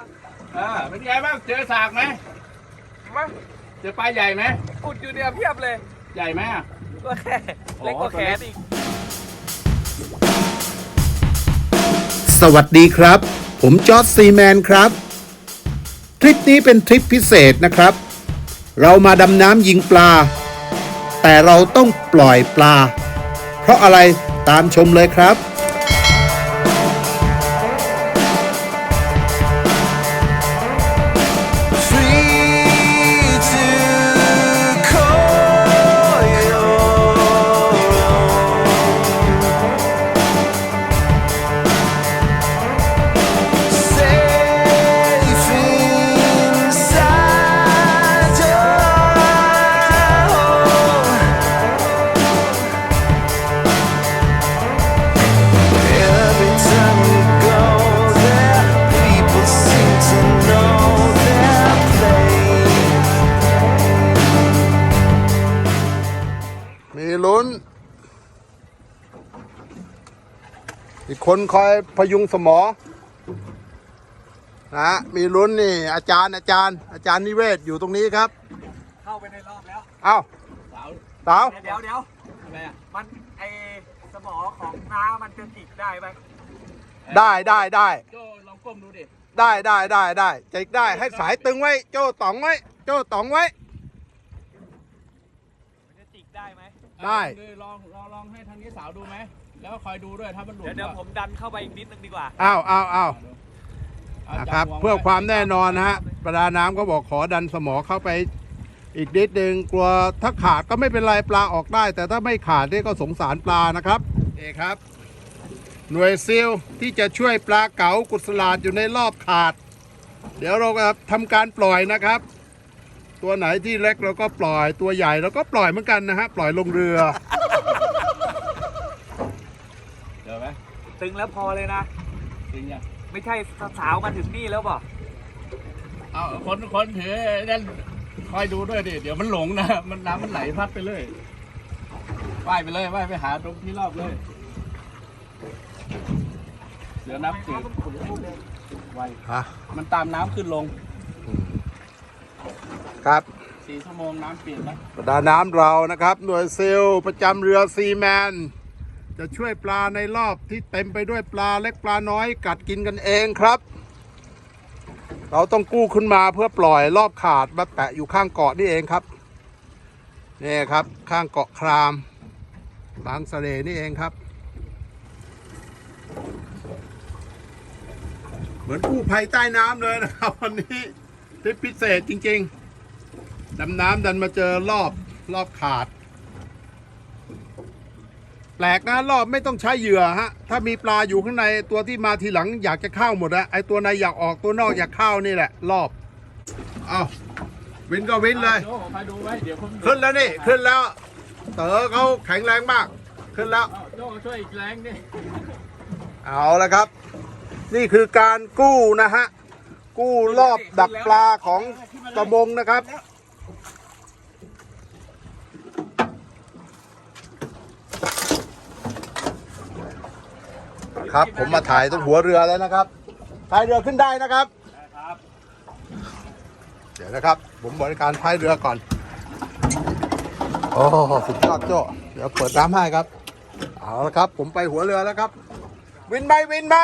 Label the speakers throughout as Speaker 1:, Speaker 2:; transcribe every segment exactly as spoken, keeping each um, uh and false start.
Speaker 1: อ่าเป็นไงบ้างเจอสากไหมมาเจอปลาใหญ่ไหมอุดอยู่เนี่ยเพียบเลยใหญ่ไหมอ่ะก็แค่เล็กกว่าแขนอีก
Speaker 2: สวัสดีครับผมจอร์จซีแมนครับทริปนี้เป็นทริปพิเศษนะครับเรามาดำน้ำยิงปลาแต่เราต้องปล่อยปลาเพราะอะไรตามชมเลยครับมีลุ้นอีกคนคอยพยุงสมอนะมีลุ้นนี่อาจารย์อาจารย์อาจารย์นิเวศอยู่ตรงนี้ครับ
Speaker 1: เข้าไปในรอบแล้ว
Speaker 2: เอ้า
Speaker 1: สาว
Speaker 2: สาว
Speaker 1: เดี๋ยวเดี๋ยวอะไรอ่ะมันไอสมอของน้ามันจะจิกได้ไหม
Speaker 2: ได้ได้ได้
Speaker 1: โจ้ลองก้มดูดิ
Speaker 2: ได้ได้ได้ได้จิกได้ให้สายตึงไว้โจ้ต๋องไว้โจ้ต๋องไว้
Speaker 1: มันจะจิกได้ไหม
Speaker 2: ได้
Speaker 1: ลองลองลองให้ทางนี้สาวดูไหมแล้วก็คอยดูด้วยถ้ามันหลุดเดี๋ยวผมดันเข้าไปอีกนิดนึงดีกว่า
Speaker 2: อ้าวอ้าวอ้าวนะครับเพื่อความแน่นอนนะฮะประดาน้ำก็บอกขอดันสมอเข้าไปอีกนิดนึงกลัวถ้าขาดก็ไม่เป็นไรปลาออกได้แต่ถ้าไม่ขาดนี่ก็สงสารปลานะครับนี่ครับหน่วยซิลที่จะช่วยปลาเก๋ากุศลาดอยู่ในรอบขาดเดี๋ยวเราจะทำการปล่อยนะครับตัวไหนที่เล็กเราก็ปล่อยตัวใหญ่เราก็ปล่อยเหมือนกันนะฮะปล่อยลงเรือ
Speaker 1: เดี๋ยวไหมตึงแล้วพอเลยนะตึงยังไม่ใช่สาวมาถึงนี่แล้วบ่เอาคนคนถือนั่นคอยดูด้วยดิเดี๋ยวมันหลงนะมันน้ำมันไหลพัดไปเลยว่ายไปเลยว่ายไปหาตรงที่รอบเลยเดี๋ยวน้ำจืดไวมันตามน้ำขึ้นลง
Speaker 2: ครับ
Speaker 1: สี่ชั่วโมงน้ำเปลี่ยนแล้ว
Speaker 2: ประดาน้ำเรานะครับหน่วยซิลประจำเรือซีแมนจะช่วยปลาในรอบที่เต็มไปด้วยปลาเล็กปลาน้อยกัดกินกันเองครับเราต้องกู้ขึ้นมาเพื่อปล่อยรอบขาดมาแปะอยู่ข้างเกาะนี่เองครับนี่ครับข้างเกาะครามบางสะเลนี่เองครับเหมือนกู้ภัยใต้น้ำเลยนะครับวันนี้ทริปพิเศษจริงๆดำน้ำดันมาเจอรอบรอบขาดแปลกนะรอบไม่ต้องใช้เหยื่อฮะถ้ามีปลาอยู่ข้างในตัวที่มาทีหลังอยากจะเข้าหมดอะไอตัวในอยากออกตัวนอกอยากเข้านี่แหละรอบเอาวินก็วินเลยขึ้นแล้วนี่ขึ้นแล้วเต๋อเขาแข็งแรงมากขึ้นแล้ว
Speaker 1: โจ้ช่วยอีกแรงนี่
Speaker 2: เอาละครับนี่คือการกู้นะฮะกู้รอบดักปลาของประมงนะครับครับผมมาถ่ายตรงหัวเรือแล้วนะครับพายเรือขึ้นได้นะครับเดี๋ยวนะครับผมบริการพายเรือก่อนโอ้สุดยอดโจ้เดี๋ยวเปิดน้ำให้ครับเอาละครับผมไปหัวเรือแล้วครับวินไหมวินไหม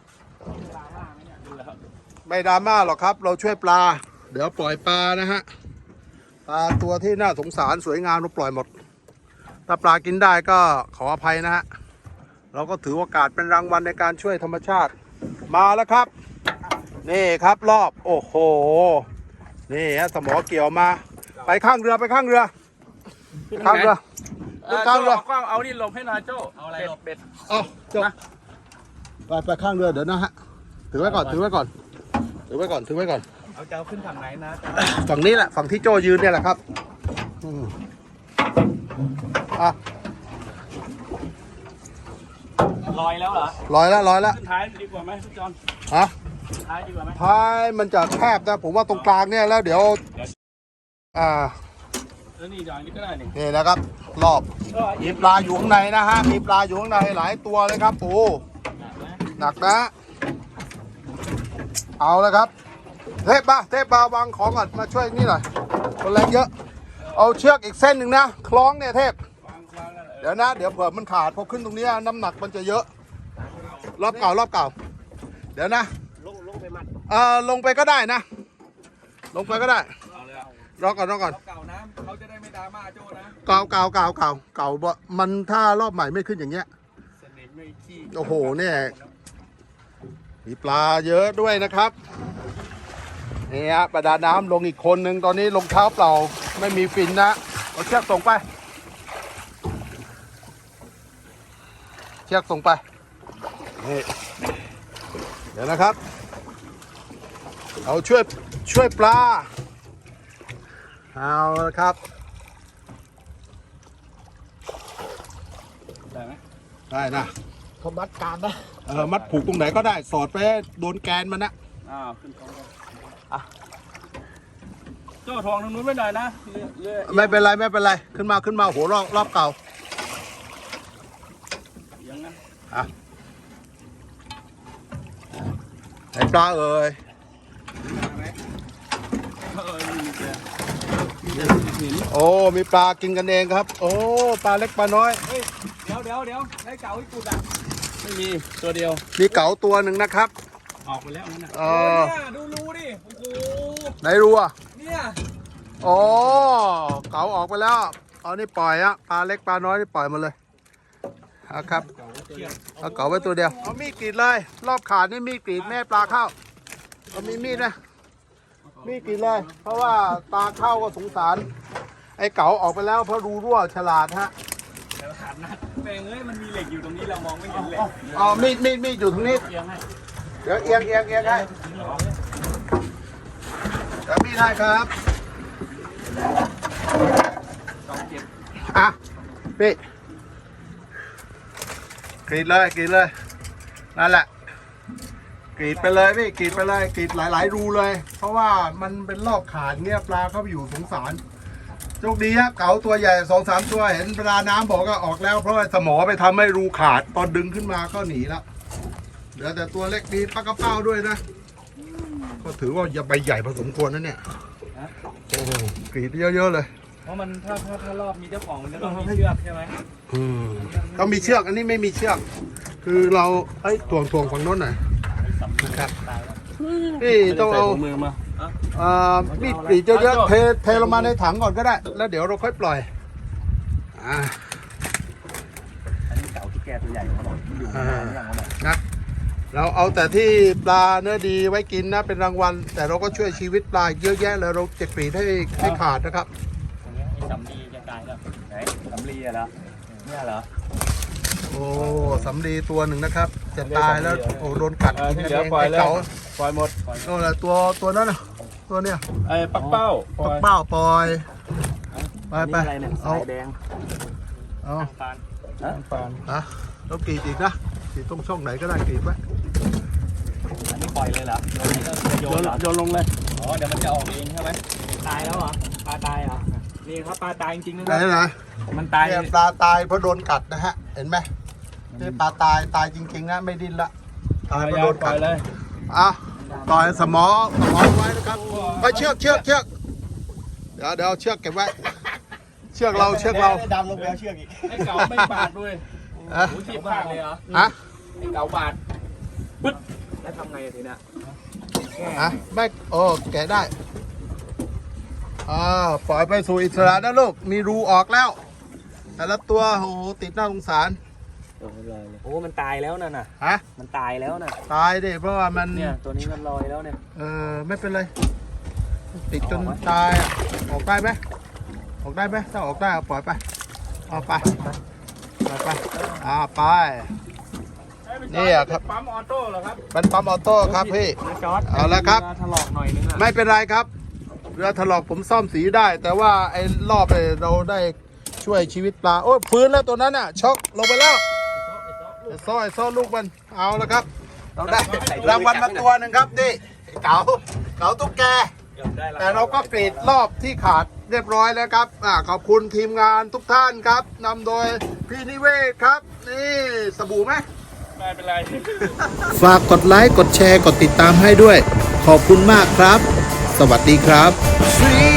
Speaker 2: ไม่ดราม่าหรอกครับเราช่วยปลาเดี๋ยวปล่อยปลานะฮะปลาตัวที่น่าสงสารสวยงามเราปล่อยหมดถ้าปลากินได้ก็ขออภัยนะฮะเราก็ถือโอกาสเป็นรางวัลในการช่วยธรรมชาติมาแล้วครับนี่ครับรอบโอ้โหนี่ฮะสมอเกี่ยวมาไปข้างเรือไปข้างเรือข้างเรือข้างเรือ
Speaker 1: เอานี่ลงให้หน่อยโจ้เอาอะไรลงเบ็ด
Speaker 2: อ๋อโจ้ไปไปข้างเรือเดี๋ยวนะฮะถือไว้ก่อนถือไว้ก่อนถือไว้ก่อนถือไว้ก่อน
Speaker 1: เอาเจ้าขึ้นฝั่งไหนนะ
Speaker 2: ฝั่งนี้แหละฝั่งที่โจ้ยืนเนี่ยแหละครับอ่ะ
Speaker 1: ลอยแล้วเหรอ
Speaker 2: ลอยแล้วลอยแล้ว
Speaker 1: ท้ายดีกว่าไหมพี่จอน
Speaker 2: ฮะ
Speaker 1: ท้ายดีกว่าไหม
Speaker 2: ท้ายมันจะแคบนะผมว่าตรงกลางเนี่ยแล้วเดี๋ยวอ่า
Speaker 1: แล้วนี่จอนนี่ก็ได้นี่
Speaker 2: นี่นะครับรอบมีปลาอยู่ข้างในนะฮะมีปลาอยู่ข้างในหลายตัวเลยครับโอ้หนักนะเอาแล้วครับเทพมาเทพมาวางของก่อนมาช่วยนี่หน่อยคนแรงเยอะ เอาเชือกอีกเส้นหนึ่งนะคล้องเนี่ยเทพเดี๋ยวนะเดี๋ยวเผื่อมันขาดพอขึ้นตรงนี้น้ำหนักมันจะเยอะรอบเก่ารอบเก่าเดี๋ยวนะลงลงไปมัดเออลงไปก็ได้นะ ลงไปก็ได้รอก่อนรอก่อนเก่านะเขาจะได้ไม่ดราม่าโจ้นะเก่าเก่าเก่าเก่าเก่าบ่มันถ้ารอบใหม่ไม่ขึ้นอย่างเงี้ยโอ้โหเนี่ยมีปลาเยอะด้วยนะครับนี่ฮะประดาน้ำลงอีกคนหนึ่งตอนนี้ลงเท้าเปล่าไม่มีฟินนะเอาเชือกส่งไปเชือกส่งไปนี่เดี๋ยวนะครับเอาช่วยช่วยปลาเอาละครับได้ไหมได้นะเขามัดการนะเออมัดผูกตรงไหนก็ได้สอดไปโดนแกนมันนะ
Speaker 1: อ้าวขึ้นท้องอ่ะโจ้ทองทางนู้นไม่หน่อยนะ
Speaker 2: ไม่เป็นไรไม่เป็นไรขึ้นมาขึ้นมาหัวรอบรอบเก่า
Speaker 1: ยังนะ
Speaker 2: อ่ะไอ้ปลาเอ่ยโอ้มีปลากินกันเองครับโอ้ปลาเล็กปลาน้อย
Speaker 1: เดี๋ยวเดี๋ยวเดี๋ยวได้เก๋าอีกกุดอ่ะไม่มีตัวเดียว
Speaker 2: มีเก๋าตัวหนึ่งนะครับ
Speaker 1: ออกไปแล้วนั่นน่ะ
Speaker 2: เออ
Speaker 1: ดูรูดิโอ้โห
Speaker 2: ไหนรูอ่ะ
Speaker 1: เนี่ย
Speaker 2: โอ้เก๋าออกไปแล้วเอานี่ปล่อยอะปลาเล็กปลาน้อยนี่ปล่อยมาเลยเอาครับเอาเก๋าไว้ตัวเดียวเอามีดกรีดเลยรอบขาดนี่มีดกรีดแม่ปลาเข้าเอามีมีดนะมีดกรีดเลยเพราะว่าปลาเข้าก็สงสารไอ้เก๋าออกไปแล้วเพราะรูรั่วฉลาดฮะ
Speaker 1: ฉลาดนะแม่งเอ้ยมันมีเหล็กอยู่ตรงนี้เรามองไม่เห็นเหล็ก
Speaker 2: อ๋อมีดมีดมีดอยู่ตรงนี้เดี๋ยวเอียงเอียงเอียงให้เดี๋ยวมีดให้ครับอ่ะพี่กรีดเลยกรีดเลยนั่นแหละกรีดไปเลยพี่กรีดไปเลยกรีดหลายๆรูเลยเพราะว่ามันเป็นรอบขาดเงี้ยปลาเข้าไปอยู่สงสารโชคดีครับเก๋าตัวใหญ่สองสามตัวเห็นปลาน้ำบอกก็ออกแล้วเพราะว่าสมอไปทำให้รูขาดตอนดึงขึ้นมาก็หนีแล้วเหลือแต่ตัวเล็กดีปลากระเป้าด้วยนะก็ถือว่าใบใหญ่พอสมควรนะเนี่ยโอ้โหกรีดเยอะๆเลย
Speaker 1: เพราะมันถ้าถ้าถ้ารอบมีเจ้าของมันจะต้องมีเชือกใช่ไหม
Speaker 2: อืมต้องมีเชือกอันนี้ไม่มีเชือกคือเราเอ้ยถ่วงถ่วงฝั่งโน้นหน่อยนะครับนี่ต้องเอา
Speaker 1: มือมา
Speaker 2: อ่ามีดกรีดเยอะๆเทเทลงมาในถังก่อนก็ได้แล้วเดี๋ยวเราค่อยปล่อยอ่า
Speaker 1: อันนี้เก๋าที่แกตัวใหญ่เขาบอกอยู่ในอย่างนั้น
Speaker 2: นะเราเอาแต่ที่ปลาเนื้อดีไว้กินนะเป็นรางวัลแต่เราก็ช่วยชีวิตปลาเยอะแยะเลยเราจะกรีดให้ให้ขาดนะครับ
Speaker 1: สำลีจะตายแล้วไหนสำลีอะเหรอเนี่ยเหรอ
Speaker 2: โอ้สำลีตัวหนึ่งนะครับจะตายแล้วโอ้โดนกัด
Speaker 1: กินเองปล่อยเลยปล่อยหมด
Speaker 2: โอ้ละตัวตัวนั้นนะตัวเนี้ย
Speaker 1: ไอ้ปักเป้า
Speaker 2: ปักเป้าปล่อยไปไป
Speaker 1: เอาแดง
Speaker 2: เอา
Speaker 1: ปาน
Speaker 2: ปานฮะแล้วกรีดอีกนะกรีดตรงช่องไหนก็ได้กรีดไว้
Speaker 1: อันนี้ปล่อยเลยเหรอโยนโยนลงเลยอ๋อเดี๋ยวมันจะออกเองใช่ไหมตายแล้วเหรอปลาตายเหรอนี่ครับปลาตายจริงๆนะ
Speaker 2: ไหนไหน
Speaker 1: มันตาย
Speaker 2: ปลาตายเพราะโดนกัดนะฮะเห็นไหมนี่ปลาตายตายจริงๆนะไม่ดิ้นละตายเพราะโดนกัดเลยอ่ะต่อยสมอสมอไว้นะครับไปเชือกเชือกเชือกเดี๋ยวเดี๋ยวเชือกเก็บไว้เชือกเราเชือกเรา
Speaker 1: ดำลงไปเอาเชือกอีกไอ้เก๋าไม่บาดด้วยโอ้โหทีบบาดเลยเหรอ
Speaker 2: ฮะ
Speaker 1: ไอ้เก๋าบาดปึ๊ดแล้วทำไงทีนี้
Speaker 2: ฮะไม่โอ้แกะได้อ่าปล่อยไปสู่อิสระนะลูกมีรูออกแล้วแต่ละตัวโอ้ติดหน้าสงสาร
Speaker 1: โอ้มันตายแล้วน่ะน่ะ
Speaker 2: ฮะ
Speaker 1: มันตายแล้วน่ะ
Speaker 2: ตายดิเพราะว่ามัน
Speaker 1: เนี่ยตัวนี้มันลอยแล้วเนี่ย
Speaker 2: เออไม่เป็นไรติดจนตายออกได้ไหมออกได้ไหมถ้าออกได้เอาปล่อยไปเอาไปปล่อยไปอ่าไปนี่ครับ
Speaker 1: ปั๊มออโต้เหรอครับ
Speaker 2: เป็นปั๊มออโต้ครับพี่เอาละครับ
Speaker 1: ถลอกหน่อยนึง
Speaker 2: ไม่เป็นไรครับเรือถลอกผมซ่อมสีได้แต่ว่าไอ้รอบเลยเราได้ช่วยชีวิตปลาโอ้ฟื้นแล้วตัวนั้นอ่ะช็อกลงไปแล้วไอ้ซ้อไอ้ซ้อลูกมันเอาละครับเราได้รางวัลมาตัวหนึ่งครับนี่เก๋าเก๋าตุ๊กแกแต่เราก็กรีดรอบที่ขาดเรียบร้อยแล้วครับอ่าขอบคุณทีมงานทุกท่านครับนำโดยพี่นิเวศครับนี่สบู่ไหม
Speaker 1: ไม่เป็นไร
Speaker 2: ฝากกดไลค์ กดแชร์ กดติดตามให้ด้วย ขอบคุณมากครับ สวัสดีครับ